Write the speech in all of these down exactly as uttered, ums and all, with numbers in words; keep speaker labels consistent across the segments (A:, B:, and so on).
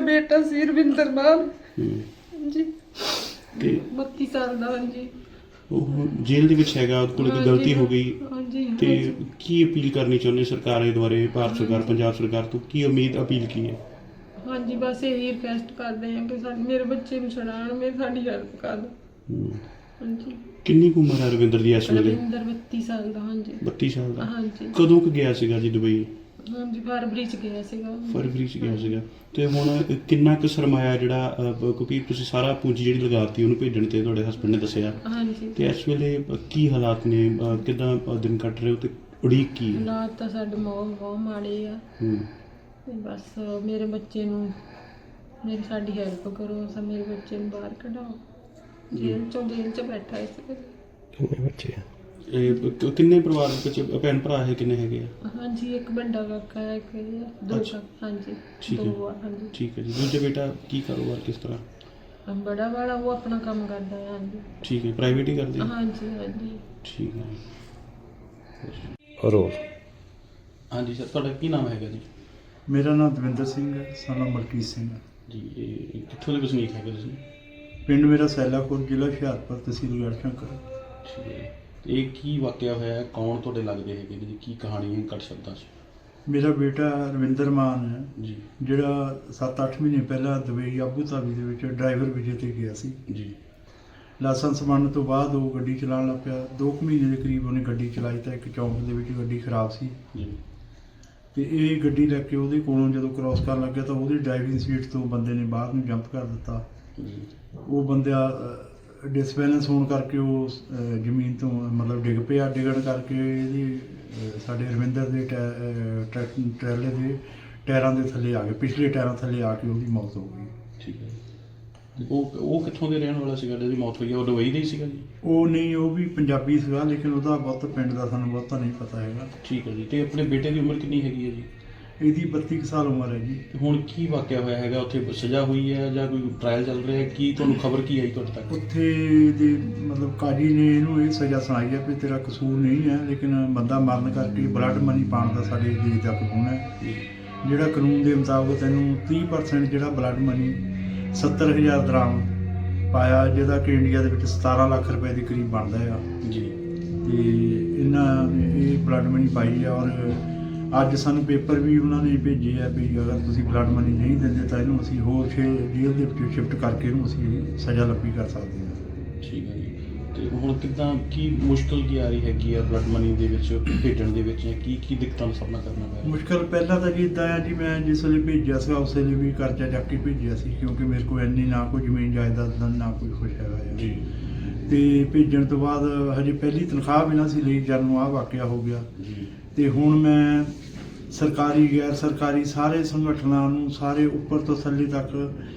A: ਬੇਟਾ ਸੀ ਰਵਿੰਦਰ ਮਾਨ
B: ਹੂੰ
A: ਜੀ
B: ਤੇ
A: ਬੱਤੀ ਸਾਲ ਦਾ। ਹਾਂਜੀ
B: ਉਹ ਜੇਲ੍ਹ ਦੇ ਵਿੱਚ ਹੈਗਾ, ਉਹਦੇ ਕੋਲ ਕੋਈ ਗਲਤੀ ਹੋ ਗਈ
A: ਹਾਂਜੀ
B: ਤੇ ਕੀ ਅਪੀਲ ਕਰਨੀ ਚਾਹੁੰਦੇ ਸਰਕਾਰ ਦੇ ਦੁਆਰੇ, ਭਾਰਤ ਸਰਕਾਰ, ਪੰਜਾਬ ਸਰਕਾਰ ਤੋਂ ਕੀ ਉਮੀਦ ਅਪੀਲ ਕੀ ਹੈ?
A: ਹਾਂਜੀ ਬਸ ਇਹੀ ਰਿਕਵੈਸਟ ਕਰਦੇ ਹਾਂ ਕਿ ਸਾਡੇ ਮੇਰੇ ਬੱਚੇ ਨੂੰ ਛੁਡਾਉਣ, ਮੇਰੇ ਸਾਡੀ ਹੈਲਪ ਕਰ ਦਿਓ।
B: ਹੂੰ।
A: ਹਾਂਜੀ
B: ਕਿੰਨੀ ਕੁ ਉਮਰ ਹੈ ਰਵਿੰਦਰ ਦੀ ਇਸ ਵੇਲੇ?
A: ਰਵਿੰਦਰ ਬੱਤੀ ਸਾਲ ਦਾ। ਹਾਂਜੀ
B: ਬੱਤੀ ਸਾਲ ਦਾ।
A: ਹਾਂਜੀ
B: ਕਦੋਂ ਕੁ ਗਿਆ ਸੀਗਾ ਜੀ ਦੁਬਈ?
A: ਹਾਂਜੀ ਫਰਵਰੀ ਚ ਗਿਆ ਸੀਗਾ।
B: ਫਰਵਰੀ ਚ ਗਿਆ ਸੀਗਾ। ਤੇ ਹੁਣ ਕਿੰਨਾ ਕੁ ਸਰਮਾਇਆ ਜਿਹੜਾ ਅਹ, ਕਿਉਂਕਿ ਤੁਸੀਂ ਸਾਰਾ ਪੂੰਜੀ ਜਿਹੜੀ ਲਗਾਤੀ ਉਹਨੂੰ ਭੇਜਣ ਤੇ ਤੁਹਾਡੇ ਹਸਬੰਡ ਨੇ ਦੱਸਿਆ,
A: ਹਾਂਜੀ
B: ਤੇ ਇਸ ਵੇਲੇ ਕੀ ਹਾਲਾਤ ਨੇ, ਅਹ, ਕਿੱਦਾਂ ਅਹ, ਦਿਨ ਕੱਟ ਰਹੇ ਹੋ ਤੇ ਉਡੀਕ ਕੀ ਹੈ?
A: ਹਾਲਾਤ ਤਾਂ ਸਾਡੇ ਬਹੁਤ ਬਹੁਤ ਮਾੜੇ ਆ।
B: ਹੂੰ
A: ਤੇ ਬਸ ਮੇਰੇ ਬੱਚੇ ਨੂੰ ਮੇਰੀ ਸਾਡੀ ਹੈਲਪ ਕਰੋ, ਸਾ ਮੇਰੇ ਬੱਚੇ ਨੂੰ ਬਾਹਰ ਕਢਾਓ, ਜੇਲ੍ਹ ਚੋਂ ਜੇਲ੍ਹ ਚ ਬੈਠਾ ਇਸ ਵੇਲੇ।
B: ਕਿੰਨੇ ਬੱਚੇ ਆ? ਇਹ ਕ- ਕਿੰਨੇ ਪਰਿਵਾਰ ਵਿੱਚ ਭੈਣ ਭਰਾ ਹੈ, ਕਿੰਨੇ ਹੈਗੇ ਆ?
A: ਹਾਂਜੀ ਇੱਕ ਵੱਡਾ ਕਾਕਾ ਹੈ, ਇੱਕ ਇਹ ਆ, ਦੋ
B: ਅੱਛਾ।
A: ਕਾਕਾ। ਹਾਂਜੀ
B: ਠੀਕ ਹੈ।
A: ਦੋ ਆ। ਹਾਂਜੀ
B: ਠੀਕ ਹੈ ਜੀ। ਦੂਜਾ ਬੇਟਾ ਕੀ ਕਾਰੋਬਾਰ, ਕਿਸ ਤਰ੍ਹਾਂ?
A: ਬੜਾ ਵਾਲਾ ਉਹ ਆਪਣਾ ਕੰਮ ਕਰਦਾ ਹੈ। ਹਾਂਜੀ
B: ਠੀਕ ਹੈ, ਪ੍ਰਾਈਵੇਟ ਹੀ ਕਰਦੇ ਆ?
A: ਹਾਂਜੀ ਹਾਂਜੀ
B: ਠੀਕ ਹੈ।
C: ਰੋਜ਼
B: ਹਾਂਜੀ ਸਰ, ਤੁਹਾਡਾ ਕੀ ਨਾਮ ਹੈਗਾ ਜੀ?
D: ਮੇਰਾ ਨਾਮ ਦਵਿੰਦਰ ਸਿੰਘ ਹੈ, ਸਾਨਾ ਮਲਕੀਤ ਸਿੰਘ ਹੈ।
B: ਜੀ ਇਹ ਕਿੱਥੋਂ ਦੇ ਵਸਨੀਕ ਹੈਗੇ ਤੁਸੀਂ?
D: ਪਿੰਡ ਮੇਰਾ ਸੈਲਾਪੁਰ, ਜ਼ਿਲ੍ਹਾ ਹੁਸ਼ਿਆਰਪੁਰ, ਤਹਿਸੀਲ ਗੜ੍ਹਸ਼ੰਕਰ।
B: ਠੀਕ ਹੈ। ਤੇ ਇਹ ਕੀ ਵਾਕਿਆ ਹੋਇਆ ਹੈ? ਕੌਣ ਤੁਹਾਡੇ ਲੱਗਦੇ ਹੈਗੇ ਜੀ? ਕੀ ਕਹਾਣੀ ਹੈ ਘੱਟ ਸ਼ਬਦਾਂ 'ਚ?
D: ਮੇਰਾ ਬੇਟਾ ਰਵਿੰਦਰ ਮਾਨ ਹੈ,
B: ਜੀ
D: ਜਿਹੜਾ ਸੱਤ ਅੱਠ ਮਹੀਨੇ ਪਹਿਲਾਂ ਦੁਬਈ ਆਬੂ ਧਾਬੀ ਦੇ ਵਿੱਚ ਡਰਾਈਵਰ ਵੀਜ਼ੇ ਤੇ ਗਿਆ ਸੀ।
B: ਜੀ
D: ਲਾਇਸੈਂਸ ਬਣਨ ਤੋਂ ਬਾਅਦ ਉਹ ਗੱਡੀ ਚਲਾਉਣ ਲੱਗ ਪਿਆ। ਦੋ ਕੁ ਮਹੀਨੇ ਦੇ ਕਰੀਬ ਉਹਨੇ ਗੱਡੀ ਚਲਾਈ ਤਾਂ ਇੱਕ ਚੌਂਕ ਦੇ ਵਿੱਚ ਗੱਡੀ ਖਰਾਬ ਸੀ,
B: ਜੀ
D: ਤੇ ਇਹ ਗੱਡੀ ਲੈ ਕੇ ਉਹਦੇ ਕੋਲੋਂ ਜਦੋਂ ਕ੍ਰਾਸ ਕਰਨ ਲੱਗਿਆ ਤਾਂ ਉਹਦੀ ਡਰਾਈਵਿੰਗ ਸੀਟ ਤੋਂ ਬੰਦੇ ਨੇ ਬਾਹਰ ਨੂੰ ਜੰਪ ਕਰ ਦਿੱਤਾ।
B: ਜੀ
D: ਉਹ ਬੰਦਾ ਡਿਸਬੈਲੈਂਸ ਹੋਣ ਕਰਕੇ ਉਹ ਅਹ, ਜ਼ਮੀਨ ਤੋਂ ਮਤਲਬ ਡਿੱਗ ਪਿਆ। ਡਿੱਗਣ ਕਰਕੇ ਇਹਦੀ ਅਹ, ਸਾਡੇ ਰਵਿੰਦਰ ਦੇ ਟੈ ਅਹ, ਟਰੈਕ ਟਰੈਲੇ ਦੇ ਟਾਇਰਾਂ ਦੇ ਥੱਲੇ ਆ ਗਏ, ਪਿਛਲੇ ਟਾਇਰਾਂ ਥੱਲੇ ਆ ਕੇ ਉਹਦੀ ਮੌਤ ਹੋ ਗਈ।
B: ਠੀਕ ਹੈ। ਤੇ ਉਹ ਉਹ ਕਿੱਥੋਂ ਦੇ ਰਹਿਣ ਵਾਲਾ ਸੀਗਾ ਜਿਹਦੀ ਮੌਤ ਹੋਈ ਹੈ? ਉਹ ਦੁਬਈ ਦਾ ਹੀ ਸੀਗਾ ਜੀ?
D: ਉਹ ਨਹੀਂ, ਉਹ ਵੀ ਪੰਜਾਬੀ ਸੀਗਾ, ਲੇਕਿਨ ਉਹਦਾ ਬਹੁਤ ਪਿੰਡ ਦਾ ਸਾਨੂੰ ਬਹੁਤਾ ਨਹੀਂ ਪਤਾ ਹੈਗਾ।
B: ਠੀਕ ਹੈ ਜੀ। ਤੇ ਆਪਣੇ ਬੇਟੇ ਦੀ ਉਮਰ ਕਿੰਨੀ ਹੈਗੀ ਹੈ ਜੀ?
D: ਇਹਦੀ ਬੱਤੀ ਕੁ ਸਾਲ ਉਮਰ ਹੈ ਜੀ।
B: ਤੇ ਹੁਣ ਕੀ ਵਾਕਿਆ ਹੋਇਆ ਹੈਗਾ ਉੱਥੇ? ਸਜ਼ਾ ਹੋਈ ਹੈ ਜਾਂ ਕੋਈ ਟ੍ਰਾਇਲ ਚੱਲ ਰਿਹਾ ਹੈ? ਕੀ ਤੁਹਾਨੂੰ ਖਬਰ ਕੀ ਆਈ ਤੁਹਾਡੇ ਤੱਕ?
D: ਉੱਥੇ ਦੇ ਮਤਲਬ ਕਾਜੀ ਨੇ ਇਹਨੂੰ ਇਹ ਸਜ਼ਾ ਸੁਣਾਈ ਹੈ ਵੀ ਤੇਰਾ ਕਸੂਰ ਨਹੀਂ ਹੈ, ਲੇਕਿਨ ਬੰਦਾ ਮਰਨ ਕਰਕੇ ਬਲੱਡ ਮਨੀ ਪਾਉਣ ਦਾ ਸਾਡੇ ਦੇਸ਼ ਦਾ ਕਾਨੂੰਨ ਹੈ, ਜਿਹੜਾ ਕਾਨੂੰਨ ਦੇ ਮੁਤਾਬਕ ਤੈਨੂੰ ਤੀਹ ਪਰਸੈਂਟ ਜਿਹੜਾ ਬਲੱਡ ਮਨੀ ਸੱਤਰ ਹਜ਼ਾਰ ਦਰਾਮ ਪਾਇਆ, ਜਿਹਦਾ ਕਿ ਇੰਡੀਆ ਦੇ ਵਿੱਚ ਸਤਾਰਾਂ ਲੱਖ ਰੁਪਏ ਦੇ ਕਰੀਬ ਬਣਦਾ ਆ।
B: ਜੀ
D: ਤੇ ਇਹਨਾਂ ਨੇ ਇਹ ਬਲੱਡ ਮਨੀ ਪਾਈ ਆ, ਔਰ ਅੱਜ ਸਾਨੂੰ ਪੇਪਰ ਵੀ ਉਹਨਾਂ ਨੇ ਭੇਜੇ ਆ ਵੀ ਅਗਰ ਤੁਸੀਂ ਬਲੱਡ ਮਨੀ ਨਹੀਂ ਦਿੰਦੇ ਤਾਂ ਇਹਨੂੰ ਅਸੀਂ ਹੋਰ ਛੇ ਜੇਲ੍ਹ ਦੇ ਵਿੱਚ ਸ਼ਿਫਟ ਕਰਕੇ ਇਹਨੂੰ ਅਸੀਂ ਸਜ਼ਾ ਲੱਭੀ ਕਰ ਸਕਦੇ ਹਾਂ।
B: ਠੀਕ ਹੈ ਜੀ। ਤੇ ਹੁਣ ਕਿੱਦਾਂ, ਕੀ ਮੁਸ਼ਕਲ ਕੀ ਆ ਰਹੀ ਹੈਗੀ ਆ ਬਲੱਡ ਮਨੀ ਦੇ ਵਿੱਚ ਭੇਜਣ ਦੇ ਵਿੱਚ, ਜਾਂ ਕੀ ਕੀ ਦਿੱਕਤਾਂ ਦਾ ਸਾਹਮਣਾ ਕਰਨਾ ਪੈ ਰਿਹਾ?
D: ਮੁਸ਼ਕਲ ਪਹਿਲਾਂ ਤਾਂ ਜੀ ਇੱਦਾਂ ਆ ਜੀ, ਮੈਂ ਜਿਸ ਵੇਲੇ ਭੇਜਿਆ ਸੀਗਾ ਉਸ ਵੇਲੇ ਵੀ ਕਰਜ਼ਾ ਚੱਕ ਕੇ ਭੇਜਿਆ ਸੀ, ਕਿਉਂਕਿ ਮੇਰੇ ਕੋਲ ਇੰਨੀ ਨਾ ਕੋਈ ਜ਼ਮੀਨ ਜਾਇਦਾਦ ਦਾ ਨਾ ਕੋਈ ਕੁਛ ਹੈਗਾ ਆ
B: ਜੀ।
D: ਤੇ ਭੇਜਣ ਤੋਂ ਬਾਅਦ ਹਜੇ ਪਹਿਲੀ ਤਨਖਾਹ ਵੀ ਨਾ ਸੀ ਲਈ ਜਦ ਨੂੰ ਆਹ ਵਾਕਿਆ ਹੋ ਗਿਆ।
B: ਜੀ
D: ਤੇ ਹੁਣ ਮੈਂ ਸਰਕਾਰੀ ਗੈਰ ਸਰਕਾਰੀ ਸਾਰੇ ਸੰਗਠਨਾਂ ਨੂੰ, ਸਾਰੇ ਉੱਪਰ ਤੋਂ ਥੱਲੇ ਤੱਕ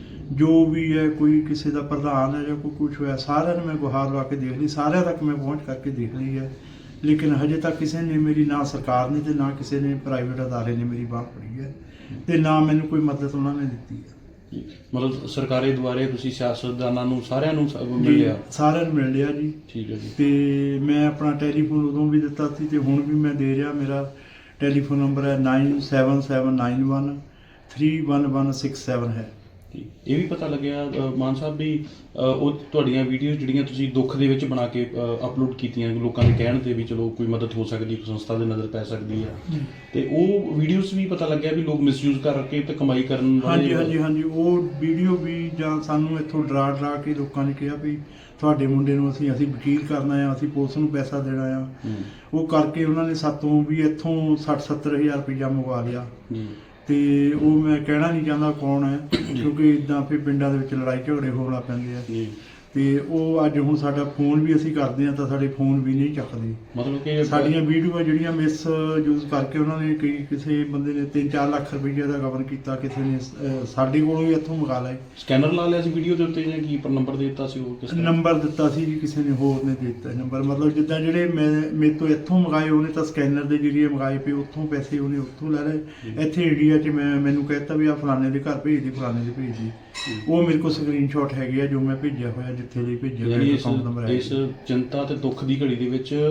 D: ਜੋ ਵੀ ਹੈ, ਕੋਈ ਕਿਸੇ ਦਾ ਪ੍ਰਧਾਨ ਹੈ ਜਾਂ ਕੋਈ ਕੁਛ ਹੋਇਆ, ਸਾਰਿਆਂ ਨੂੰ ਮੈਂ ਗੁਹਾਰ ਲਾ ਕੇ ਦੇਖ ਲਈ, ਸਾਰਿਆਂ ਤੱਕ ਮੈਂ ਪਹੁੰਚ ਕਰਕੇ ਦੇਖ ਲਈ ਹੈ, ਲੇਕਿਨ ਹਜੇ ਤੱਕ ਕਿਸੇ ਨੇ ਮੇਰੀ, ਨਾ ਸਰਕਾਰ ਨੇ ਤੇ ਨਾ ਕਿਸੇ ਨੇ ਪ੍ਰਾਈਵੇਟ ਅਦਾਰੇ ਨੇ ਮੇਰੀ ਬਾਂਹ ਫੜੀ ਹੈ, ਤੇ ਨਾ ਮੈਨੂੰ ਕੋਈ ਮਦਦ ਉਹਨਾਂ ਨੇ ਦਿੱਤੀ ਹੈ।
B: ਜੀ। ਮਤਲਬ ਸਰਕਾਰੀ ਦੁਆਰੇ ਤੁਸੀਂ ਸਿਆਸਤਦਾਨਾਂ ਨੂੰ ਸਾਰਿਆਂ ਨੂੰ ਸ- ਮਿਲਿਆ?
D: ਸਾਰਿਆਂ ਨੂੰ ਮਿਲ ਲਿਆ ਜੀ।
B: ਠੀਕ ਹੈ ਜੀ।
D: ਤੇ ਮੈਂ ਆਪਣਾ ਟੈਲੀਫੋਨ ਉਦੋਂ ਵੀ ਦਿੱਤਾ ਸੀ ਤੇ ਹੁਣ ਵੀ ਮੈਂ ਦੇ ਰਿਹਾ। ਮੇਰਾ ਟੈਲੀਫੋਨ ਨੰਬਰ ਹੈ nine seven seven nine one three one one six seven ਹੈ।
B: ਜੀ। ਇਹ ਵੀ ਪਤਾ ਲੱਗਿਆ ਅ, ਮਾਨ ਸਾਹਿਬ ਵੀ ਅ, ਉਹ ਤੁਹਾਡੀਆਂ ਵੀਡੀਓਜ਼ ਜਿਹੜੀਆਂ ਤੁਸੀਂ ਦੁੱਖ ਦੇ ਵਿੱਚ ਬਣਾ ਕੇ ਅਪਲੋਡ ਕੀਤੀਆਂ, ਲੋਕਾਂ ਦੇ ਕਹਿਣ ਤੇ ਵੀ ਚਲੋ ਕੋਈ ਮਦਦ ਹੋ ਸਕਦੀ, ਕੋਈ ਸੰਸਥਾ ਦੇ ਨਜ਼ਰ ਪੈ ਸਕਦੀ ਹੈ, ਤੇ ਉਹ ਵੀਡੀਓਜ਼ ਵੀ ਪਤਾ ਲੱਗਿਆ ਵੀ ਲੋਕ ਮਿਸਯੂਜ਼ ਕਰਕੇ ਤੇ ਕਮਾਈ ਕਰਨ
D: ਹਾਂਜੀ ਹਾਂਜੀ ਹਾਂਜੀ ਉਹ ਵੀਡੀਓ ਵੀ, ਜਾਂ ਸਾਨੂੰ ਇੱਥੋਂ ਡਰਾ ਡਰਾ ਕੇ ਲੋਕਾਂ ਨੇ ਕਿਹਾ ਵੀ ਤੁਹਾਡੇ ਮੁੰਡੇ ਨੂੰ ਅਸੀਂ ਅਸੀਂ ਵਕੀਲ ਕਰਨਾ ਆ, ਅਸੀਂ ਪੁਲਿਸ ਨੂੰ ਪੈਸਾ ਦੇਣਾ ਆ।
B: ਹੂੰ।
D: ਉਹ ਕਰਕੇ ਉਹਨਾਂ ਨੇ ਸਾਤੋਂ ਵੀ ਇੱਥੋਂ ਸੱਠ ਸੱਤਰ ਹਜ਼ਾਰ ਰੁਪਈਆ ਮੰਗਵਾ ਲਿਆ।
B: ਜੀ।
D: ਤੇ ਉਹ ਮੈਂ ਕਹਿਣਾ ਨਹੀਂ ਚਾਹੁੰਦਾ ਕੌਣ ਹੈ, ਕਿਉਂਕਿ ਇਦਾਂ ਫਿਰ ਪਿੰਡਾਂ ਦੇ ਵਿੱਚ ਲੜਾਈ ਝਗੜੇ ਹੋਣ ਲੱਗ ਪੈਂਦੇ ਆ।
B: ਜੀ।
D: ਤੇ ਉਹ ਅੱਜ ਹੁਣ ਸਾਡਾ ਫੋਨ ਵੀ ਅਸੀਂ ਕਰਦੇ ਆ ਤਾਂ ਸਾਡੇ ਫੋਨ ਵੀ ਨਹੀਂ ਚੱਕਦੇ।
B: ਮਤਲਬ ਕਿ
D: ਸਾਡੀਆਂ ਵੀਡੀਓਆਂ ਜਿਹੜੀਆਂ ਮਿਸ ਯੂਜ਼ ਕਰਕੇ ਉਹਨਾਂ ਨੇ ਕਈ ਕਿਸੇ ਬੰਦੇ ਨੇ ਤਿੰਨ ਚਾਰ ਲੱਖ ਰੁਪਈਆ ਦਾ ਗਵਨ ਕੀਤਾ, ਕਿਸੇ ਨੇ ਅਹ, ਸਾਡੇ ਕੋਲੋਂ ਵੀ ਇੱਥੋਂ ਮੰਗਾ ਲਏ।
B: ਸਕੈਨਰ ਲਾ ਲਿਆ ਸੀ ਵੀਡੀਓ ਦੇ ਉੱਤੇ ਜਾਂ ਕੀ, ਪਰ ਨੰਬਰ ਦੇ ਦਿੱਤਾ ਸੀ ਉਹ ਕਿਸ ਤਰ੍ਹਾਂ?
D: ਨੰਬਰ ਦਿੱਤਾ ਸੀ ਜੀ, ਕਿਸੇ ਨੇ ਹੋਰ ਨੇ ਦੇ ਦਿੱਤਾ ਨੰਬਰ। ਮਤਲਬ ਜਿੱਦਾਂ ਜਿਹੜੇ ਮੈਂ ਮੇਰੇ ਤੋਂ ਇੱਥੋਂ ਮੰਗਾਏ ਉਹਨੇ ਤਾਂ ਸਕੈਨਰ ਦੇ ਜਰੀਏ ਮੰਗਾਏ ਪਏ, ਉੱਥੋਂ ਪੈਸੇ ਉਹਨੇ ਉੱਥੋਂ ਲੈ ਲਏ। ਇੱਥੇ ਇੰਡੀਆ 'ਚ ਮੈਂ ਮੈਨੂੰ ਕਹਿਤਾ ਵੀ ਆ ਫਲਾਣੇ ਦੇ ਘਰ ਭੇਜ ਦੀ, ਫਲਾਣੇ ਦੇ ਭੇਜ ਦੀ। ਉਹ ਮੇਰੇ ਕੋਲ ਸਕਰੀਨਸ਼ਾਟ ਹੈਗੇ ਆ ਜੋ ਮੈਂ ਭੇਜਿਆ ਹੋਇਆ, ਜਿੱਥੇ ਲਈ ਭੇਜਿਆ ਹੋਇਆ
B: ਯਾਨੀ
D: ਅਕਾਊਂਟ ਨੰਬਰ ਹੈ।
B: ਇਸ ਚਿੰਤਾ ਤੇ ਦੁੱਖ ਦੀ ਘੜੀ ਦੇ ਵਿੱਚ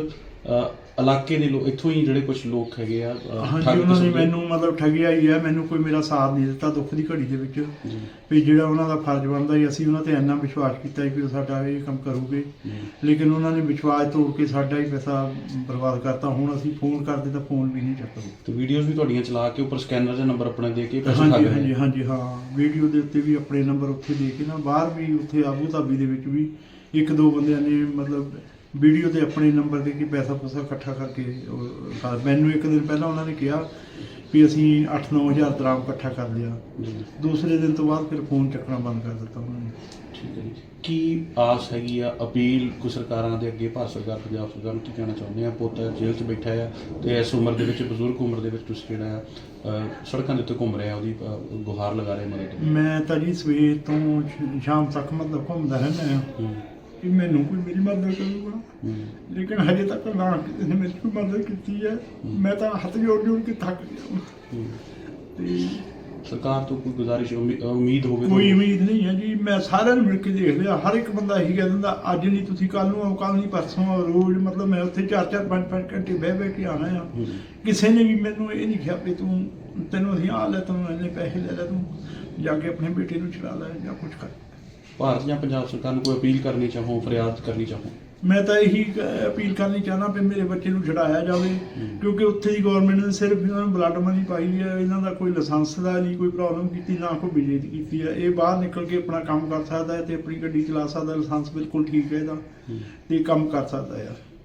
B: ਅ, ਇਲਾਕੇ ਦੇ ਲੋਕ ਇੱਥੋਂ ਹੀ ਜਿਹੜੇ ਕੁਝ ਲੋਕ ਹੈਗੇ ਆ ਅ,
D: ਹਾਂਜੀ
B: ਠੱਗ
D: ਉਹਨਾਂ ਨੇ
B: ਕਿਸਮ ਦੇ-
D: ਮੈਨੂੰ ਮਤਲਬ ਠੱਗਿਆ ਹੀ ਹੈ, ਮੈਨੂੰ ਕੋਈ ਮੇਰਾ ਸਾਥ ਨਹੀਂ ਦਿੱਤਾ ਦੁੱਖ ਦੀ ਘੜੀ ਦੇ ਵਿੱਚ।
B: ਜੀ
D: ਵੀ ਜਿਹੜਾ ਉਹਨਾਂ ਦਾ ਫਰਜ਼ ਬਣਦਾ ਸੀ, ਅਸੀਂ ਉਹਨਾਂ ਤੇ ਇੰਨਾ ਵਿਸ਼ਵਾਸ ਕੀਤਾ ਸੀ ਕਿ ਉਹ ਸਾਡਾ ਇਹ ਕੰਮ ਕਰੂਗੇ,
B: ਜੀ
D: ਲੇਕਿਨ ਉਹਨਾਂ ਨੇ ਵਿਸ਼ਵਾਸ ਤੋੜ ਕੇ ਸਾਡਾ ਹੀ ਪੈਸਾ ਬਰਬਾਦ ਕਰਤਾ। ਹੁਣ ਅਸੀਂ ਫੋਨ ਕਰਦੇ ਤਾਂ ਫੋਨ ਵੀ ਨਹੀਂ ਚੱਕਦੇ।
B: ਤੇ ਵੀਡੀਓਜ਼ ਵੀ ਤੁਹਾਡੀਆਂ ਚਲਾ ਕੇ ਉੱਪਰ ਸਕੈਨਰ ਦੇ ਨੰਬਰ ਆਪਣੇ ਦੇ ਕੇ ਪੈਸੇ
D: ਹਾਂਜੀ
B: ਠੱਗ ਰਹੇ
D: ਹਾਂਜੀ ਹਾਂਜੀ ਹਾਂ, ਵੀਡੀਓ ਦੇ ਉੱਤੇ ਵੀ ਆਪਣੇ ਨੰਬਰ ਉੱਥੇ ਦੇ ਕੇ ਨਾ, ਬਾਹਰ ਵੀ ਉੱਥੇ ਆਬੂ ਧਾਬੀ ਦੇ ਵਿੱਚ ਵੀ ਇੱਕ ਦੋ ਬੰਦਿਆਂ ਨੇ ਮਤਲਬ ਵੀਡੀਓ ਤੇ ਆਪਣੇ ਨੰਬਰ ਦੇ ਕੇ ਪੈਸਾ ਪੂਸਾ ਇਕੱਠਾ ਕਰਕੇ ਉਹ ਕਰ- ਮੈਨੂੰ ਇੱਕ ਦਿਨ ਪਹਿਲਾਂ ਉਹਨਾਂ ਨੇ ਕਿਹਾ ਵੀ ਅਸੀਂ ਅੱਠ ਨੌ ਹਜ਼ਾਰ ਦਰਾਮ ਇਕੱਠਾ ਕਰ ਲਿਆ।
B: ਜੀ
D: ਦੂਸਰੇ ਦਿਨ ਤੋਂ ਬਾਅਦ ਫਿਰ ਫੋਨ ਚੱਕਣਾ ਬੰਦ ਕਰ ਦਿੱਤਾ ਉਹਨਾਂ ਨੇ।
B: ਠੀਕ ਹੈ ਜੀ। ਕੀ ਆਸ ਹੈਗੀ ਆ ਅਪੀਲ ਕੋਈ ਸਰਕਾਰਾਂ ਦੇ ਅੱਗੇ, ਭਾਰਤ ਸਰਕਾਰ, ਪੰਜਾਬ ਸਰਕਾਰ ਨੂੰ ਕੀ ਕਹਿਣਾ ਚਾਹੁੰਦੇ ਆ? ਪੁੱਤ ਜੇਲ੍ਹ 'ਚ ਬੈਠਾ ਆ ਤੇ ਇਸ ਉਮਰ ਦੇ ਵਿੱਚ, ਬਜ਼ੁਰਗ ਉਮਰ ਦੇ ਵਿੱਚ ਤੁਸੀਂ ਜਿਹੜਾ ਆ ਅ, ਸੜਕਾਂ ਦੇ ਉੱਤੇ ਘੁੰਮ ਰਿਹਾ, ਉਹਦੀ ਅ, ਗੁਹਾਰ ਲਗਾ ਰਹੇ ਮਦਦ।
D: ਮੈਂ ਤਾਂ ਜੀ ਸਵੇਰ ਤੋਂ ਸ਼- ਸ਼ਾਮ ਤੱਕ ਮਤਲਬ ਘੁੰਮਦਾ ਰਹਿੰਦਾ ਹਾਂ
B: ਹੂੰ
D: ਕਿ ਮੈਨੂੰ ਕੋਈ ਮੇਰੀ ਮਦਦ ਕਰੂਗਾ,
B: ਹੂੰ
D: ਲੇਕਿਨ ਹਜੇ ਤੱਕ ਨਾ ਕਿਸੇ ਨੇ ਮੇਰੀ ਕੋਈ ਮਦਦ ਕੀਤੀ ਹੈ। ਮੈਂ ਤਾਂ ਹੱਥ ਜੋੜ ਜੋੜ ਕੇ ਥੱਕ ਗਿਆ
B: ਹੂੰ।
D: ਤੇ
B: ਸਰਕਾਰ ਤੋਂ ਕੋਈ ਗੁਜ਼ਾਰਿਸ਼, ਉਮੀ- ਉਮੀਦ ਹੋਵੇ
D: ਕੋਈ
B: ਤੁਹਾਨੂੰ?
D: ਉਮੀਦ ਨਹੀਂ ਹੈ ਜੀ। ਮੈਂ ਸਾਰਿਆਂ ਨੂੰ ਮਿਲ ਕੇ ਦੇਖ ਲਿਆ, ਹਰ ਇੱਕ ਬੰਦਾ ਇਹੀ ਕਹਿ ਦਿੰਦਾ ਅੱਜ ਨਹੀਂ ਤੁਸੀਂ ਕੱਲ ਨੂੰ ਆਓ, ਕੱਲ ਨਹੀਂ ਪਰਸੋਂ ਆਓ। ਰੋਜ਼ ਮਤਲਬ ਮੈਂ ਉੱਥੇ ਚਾਰ ਚਾਰ ਪੰਜ ਪੰਜ ਘੰਟੇ ਬਹਿ ਬਹਿ ਕੇ ਆਣਾ ਆ।
B: ਹੂੰ।
D: ਕਿਸੇ ਨੇ ਵੀ ਮੈਨੂੰ ਇਹ ਨਹੀਂ ਕਿਹਾ ਵੀ ਤੂੰ ਤੈਨੂੰ ਅਸੀਂ ਆ ਲੈ, ਤੂੰ ਇੰਨੇ ਪੈਸੇ ਲੈ ਲੈ, ਤੂੰ ਜਾ ਕੇ ਆਪਣੇ ਬੇਟੇ ਨੂੰ ਚਲਾ ਲੈ ਜਾਂ ਕੁਝ ਕਰ।
B: ਭਾਰਤ ਜਾਂ ਪੰਜਾਬ ਸਰਕਾਰ ਨੂੰ ਕੋਈ ਅਪੀਲ ਕਰਨੀ ਚਾਹੋ, ਫਰਿਆਦ ਕਰਨੀ ਚਾਹੋ?
D: ਮੈਂ ਤਾਂ ਇਹੀ ਕ- ਅਪੀਲ ਕਰਨੀ ਚਾਹੁੰਦਾ ਵੀ ਮੇਰੇ ਬੱਚੇ ਨੂੰ ਛਡਾਇਆ ਜਾਵੇ, ਕਿਉਂਕਿ ਉੱਥੇ ਦੀ ਗਵਰਨਮੈਂਟ ਨੇ ਸਿਰਫ ਇਹਨਾਂ ਨੂੰ ਬਲੱਡ ਮਨੀ ਪਾਈ ਹੈ, ਇਹਨਾਂ ਦਾ ਕੋਈ ਲਾਇਸੈਂਸ ਦਾ ਨਹੀਂ ਕੋਈ ਪ੍ਰੋਬਲਮ ਕੀਤੀ, ਨਾ ਕੋਈ ਬਿਜਲੀ ਦੀ ਕੀਤੀ ਹੈ। ਇਹ ਬਾਹਰ ਨਿਕਲ ਕੇ ਆਪਣਾ ਕੰਮ ਕਰ ਸਕਦਾ ਹੈ ਤੇ ਆਪਣੀ ਗੱਡੀ ਚਲਾ ਸਕਦਾ, ਲਾਇਸੈਂਸ ਬਿਲਕੁਲ ਠੀਕ ਹੈ ਇਹਦਾ,
B: ਹੂੰ।
D: ਤੇ ਕੰਮ ਕਰ ਸਕਦਾ ਹੈ।